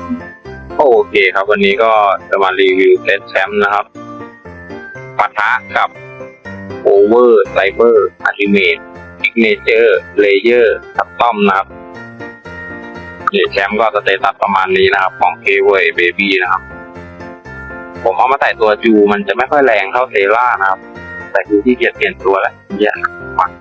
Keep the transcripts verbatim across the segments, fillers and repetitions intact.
โอเคครับวันนี้ก็จะมารีวิวเซตแชมป์นะครับปะทะกับโอเวอร์ไซเบอร์อัลติเมทซิกเนเจอร์เลเยอร์คัสตอมนะครับนี่แชมป์ก็สเตตัสประมาณนี้นะครับของ เค เว เบบี้นะครับผมเอามาใส่ตัวจูมันจะไม่ค่อยแรงเท่าเทล่านะครับแต่จูที่เกียจเปลี่ยนตัวแล้วเยอะมาก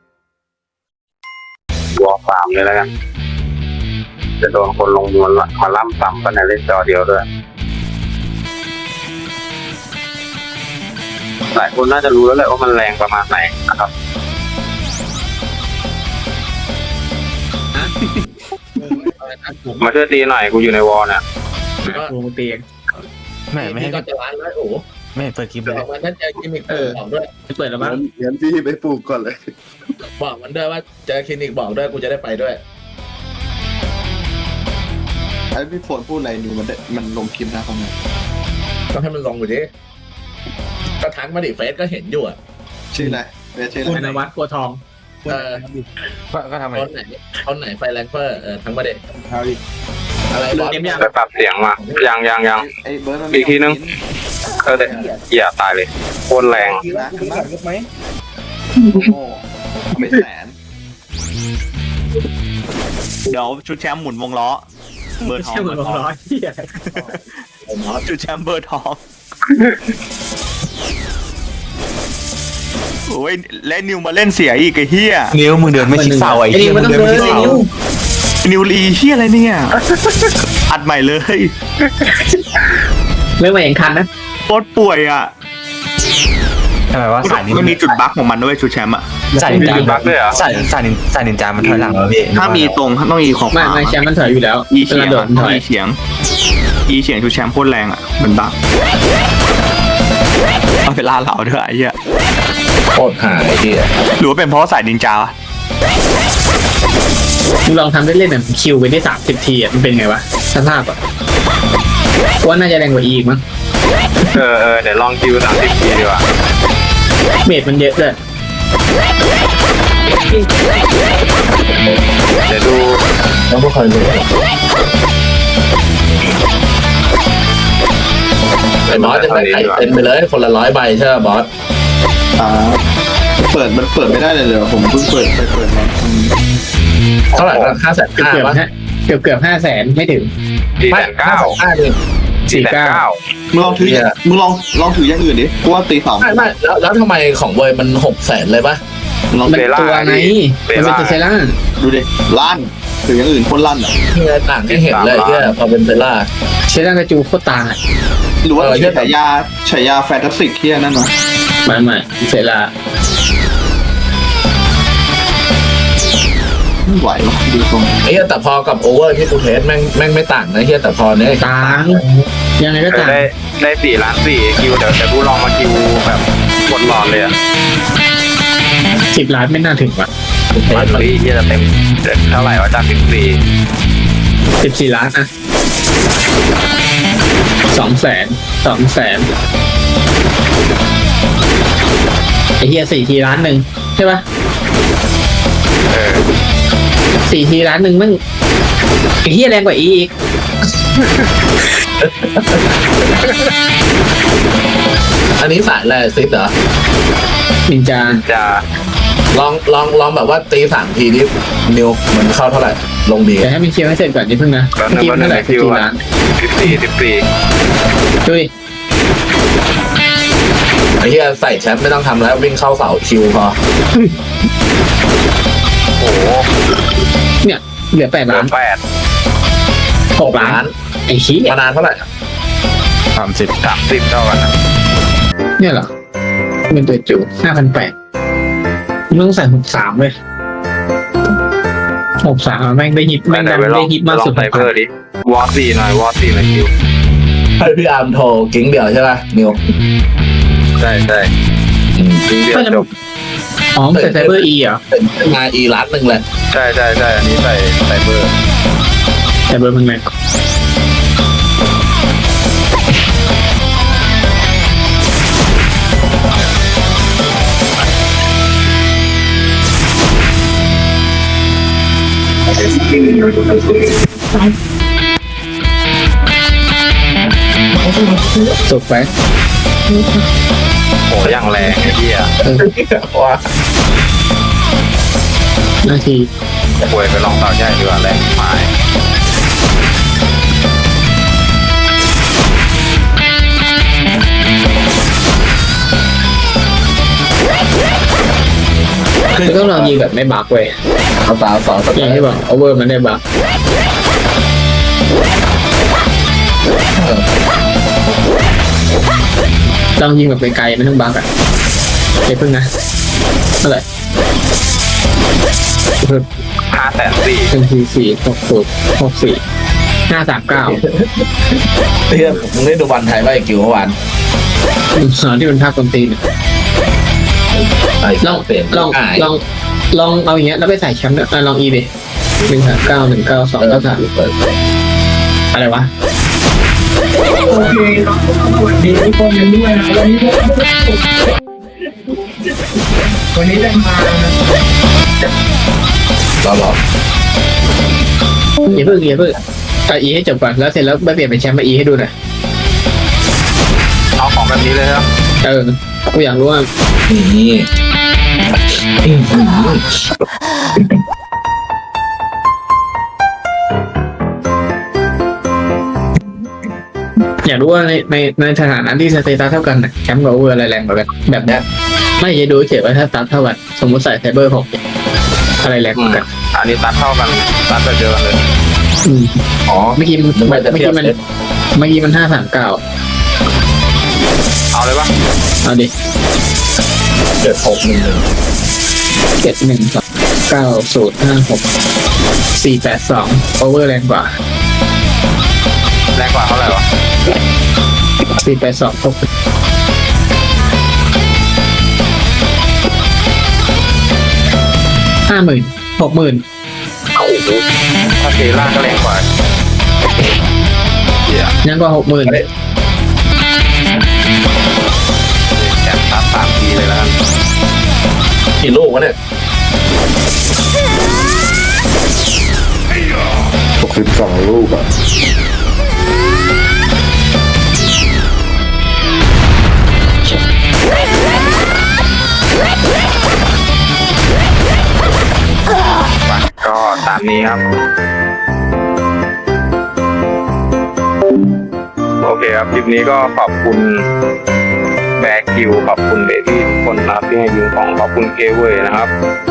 วอลสามเลยแล้วกันจะโดนคนลงมวลมาล่ำซ้ำกันในเล่นจอเดียวด้วยหลายคนน่าจะรู้แล้วแหละว่ามันแรงประมาณไหนนะครับ มาช่วยตีหน่อยกูอยู่ในวอลเนี่ยกูเตียงแม่ไม่ให้ก็จะร้านแล้วโอ้ไม่เปิดคลิปเลยบอกมันนั่นเจอคลินิกบอกด้วยเปิดแล้วมั้งงั้นพี่ไปปลูกก่อนเลยบอกมันด้วยว่าเจอคลินิกบอกด้วยกูจะได้ไปด้วยไอ้พี่ฝนพูดอะไรนิวมันได้มันลงคลิปนะเขาเนี่ยต้องให้มันลงไปดิก็ทักมาดิเฟซก็เห็นอยู่อ่ะชื่ออะไรเรียกชื่อคุณอะไรนวัดกัวทองเออก็ก็ทำไมคนไหนคนไหนไฟแรงเฟอร์เออทั้งประเด็นเอาดิอะไรบอสเต็มยังไปปรับเสียงมายังยังยังไอ้เบิร์ดมันอีกทีนึง เออเดี๋ยวอย่าตายเลยโคตรแรงนะขึ้นมาไหมโอ้โหไม่แสนเดี๋ยวชุดแชมป์หมุนวงล้อ เบอร์ทองใช่เหมืเบออน ร์ทองร้อยที่ชุดแชมป์เบอร์ทองโอ้ยและนิวมาเล่นเสียอีกไอ้เหี้ยนิ้วมึงเดินไม่ชิดเสาไอ้เหี้ยมึงเดินไม่ชิดเสานิวรีเหี้ยอะไรเนี่ยอัดใหม่เลยเรื่องมาเองคันนะโคตรป่วยอ่ะทำไมว่าสายนี้มันมีจุดบั๊กของมันด้วยชุดแชมป์อ่ะสายนินจาสายสายนินสายนินจามันถอยหลังแล้วพี่ถ้ามีตรงต้องมีของไม่ขวาไม่แชมป์มันถอยอยู่แล้วอีเฉียงโดอะดต้ถองอยอีเฉียงอีเฉียงชุดแชมป์โคตรแรงอ่ะมันบั๊กเอาไปล่าเหล่าด้วยไอ้เหี้ยโคตรหายที่หรือว่าเป็นเพราะสายนินจาวะมึงลองทำได้เล่นแบบคิวไปได้สามสิบทีอ่ะมันเป็นไงวะสภาพอ่ะว่าน่าจะแรงกว่าอีกมั้งเออเออเดี๋ยวลองคิวสามสิบทีดีกว่าเมดมันเยอะเลยเดี๋ยวดูแล้วก็คอยดูไอ้บอสจะไปไข่เต็มไปเลยคนละร้อยใบใช่ไหมบอสอ่าเปิดมันเปิดไม่ได้เลยเลยผมเพิ่งเปิดไปเปิดมาเท่าไหร่นะห้าแสนเกือบห้าเกือบวะฮะเกือบเกือบห้าแสนไม่ถึงสี่แสนเก้าห้าเลยสี่แสนเก้ามึงลองถือมึงลองลองถืออย่างอื่นดิเพราะว่าตีสองไม่ไม่แล้วแล้วทำไมของเวยมันหกแสนเลยปะลองมันตัวไงมันเป็นตัวเซล่าดูดิลั่นถืออย่างอื่นคนลั่นอ่ะที่ไงต่างให้เห็นเลยที่พอเป็นเซล่าเซล่ากระจูโคตรต่างอ่ะหรือว่าฉายาฉายาแฟนตาสติกที่นั่นวะไม่ไม่เซล่าไม่ไหวหรอกดูตรงไอ้เหี้ยแต่พอกับโอเวอร์ที่กูเทสแม่งแม่งไม่ต่างนะเฮียแต่พอเนี้ยต่างยังไงก็เออต่างได้ได้สี่ล้านสี่คิวเดี๋ยวเดี๋ยวกูลองมาคิวแบบกดหลอดเลยอะสิบล้านไม่น่าถึงว่ะมาฟรีที่จะเต็มเท่าไหร่วะจากสิบสี่สิบสี่ล้านอะสองแสนสองแสนไอเฮียสี่ทีล้านหนึ่งใช่ปะเออสี่ทีล้านหนึ่งมึงไอเฮียแรงกว่าอีกอันนี้สายแรซิสเหรอนินจาจะลองลองลองแบบว่าตีสามทีนี้นิวมันเข้าเท่าไหร่ลงดีเดี๋ยวให้มันเคลียร์ให้เสร็จก่อนนิดเพิ่งนะแล้วเมื่อกี้นึมันงเท่าไหร่คิสิบวสี่อะล้านสิบสี่สิบสี่ดุยไอ้เหี้ยใส่แชมป์ไม่ต้องทำแล้ววิ่งเข้าเสาคิวพอโอ้โหเนี่ยเหลือแปดเหลืล้าอนแปดหกล้านไอ้ชี้ยมานานเท่าไหร่สามสิบสามสิบเท่ากันนะเนี่ยเหรอเป็นตัวจูห้าพันแปดมึงต้องใส่หกสามเลยหกสามแม่งได้ฮิตแม่งไหนดันไปลอได้งฮิตไปมากลอสุงดไซเบอร์ดิวอสี่หน่อยวอสี่หน่อยคิวให้พี่อาร์มโทรกิ้งเดียวใช่ป่ะนิวใช่ใช่ถึงเดียวจบอ๋อใส่ไซเบอร์อีเหรอเป็นมาอีล้านหนึ่งเลยใช่ใช่ใช่อันนี้ใส่ไซเบอร์ไซเบอร์มึงแรงสุดไปโอ้ยังแรงไอ้เหี้ยเออว่านาทีป่วยไปลองเต่าใหญ่ดีกว่าแรงหายคือต้องลองยิงแบบไม่บักเว้ยเอาสาวสองสอย่างที่บอกโอเวอร์มันได้บักลองยิงแบบไกลๆไม่ต้องบักอ่ะเดี๋ยวเพิ่งนะเท่าไหร่เพิ่มห้าแสนสี่หนึ่งสี่สี่หกศูนย์หกสี่ห้าสามเก้าเพื่อนมึงได้ดูบอลไทยป่ะไอ้กิวเมื่อวานสอนที่เป็นภาคคนตีนลองเปลี่ยนลองอ่ายลองลองเอาอย่างเงี้ยแล้วไปใส่แชมป์เนี่ยอ่ะลองอีดิหนึ่งสามเก้าหนึ่งเก้าสองเก้าสามเปิดอะไรวะรอรออย่าเพิ่งอย่าเพิ่งเอาอีให้จบก่อนแล้วเสร็จแล้วไปเปลี่ยนเป็นแชมป์มาอีให้ดูหน่อยเอาของแบบนี้เลยครับเออกูอยากรู้ว่านี่อื้อหืออยากรู้ว่าในในในสถานะที่สเตตัสเท่ากันน่ะแชมป์กับโอเวอร์อะไรแรงกว่ากันแบบเนี้ยไม่จะดูเฉยว่าถ้าสตาร์ทเท่ากันสมมติใส่ไซเบอร์หกอะไรแรงกว่ากันอันนี้ตัดเท่ากันตัดแบบเดียวกันเลยอืมอ๋อเมื่อกี้มันนึกเมื่ว่าจะอเทียกี้บมันเซตเมื่อกี้มันห้าสามเก้าเอาเลยปะเอาดิเจ็ดหกหนึ่งหนึ่งเจ็ดหนึ่งสองเก้าศูนย์ห้าหกสี่แปดสองโอเวอร์แรงกว่าแรงกว่าเท่าไหร่วะสี่แปดสองตกห้าหมื่นหกหมื่นโอ้โหถ้าเทล่าก็แรงกว่าเหี้ยยังกว่าหกหมื่นแชมป์ตัดสามทีเลยแล้วกันกี่ลูกวะเนี่ยหกสิบสองลูกอ่ะไปก็ตามนี้ครับ โอเคครับคลิปนี้ก็ขอบคุณแบกคิวขอบคุณเบบี้ทุกคนนะครับที่ให้ยืมของขอบคุณเกเวยนะครับ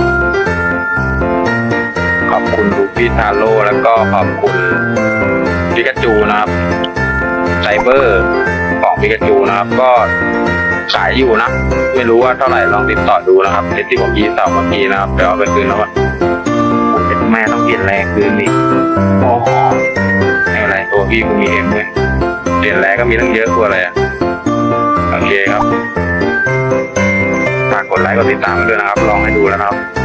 ขอบคุณลูฟี่ทาโร่แล้วก็ขอบคุณปิกาจูนะครับไซเบอร์ของปิกาจูนะครับ ก็ขายอยู่นะ ไม่รู้ว่าเท่าไหร่ลองติดต่อดูนะครับเซตที่ผมยีเสาเมื่อกี้นะครับเดี๋ยวเอาไปคืนแล้วอ่ะผมเป็นแม่ต้องเปลี่ยนแรงคืนนี่โอ้โหไม่เป็นไรตัวพี่กูมีเอ็มด้วยเปลี่ยนแรงก็มีตั้งเยอะกว่าอะไรอ่ะโอเคครับฝากกดไลค์กดติดตามด้วยนะครับ ลองให้ดูแล้วนะครับ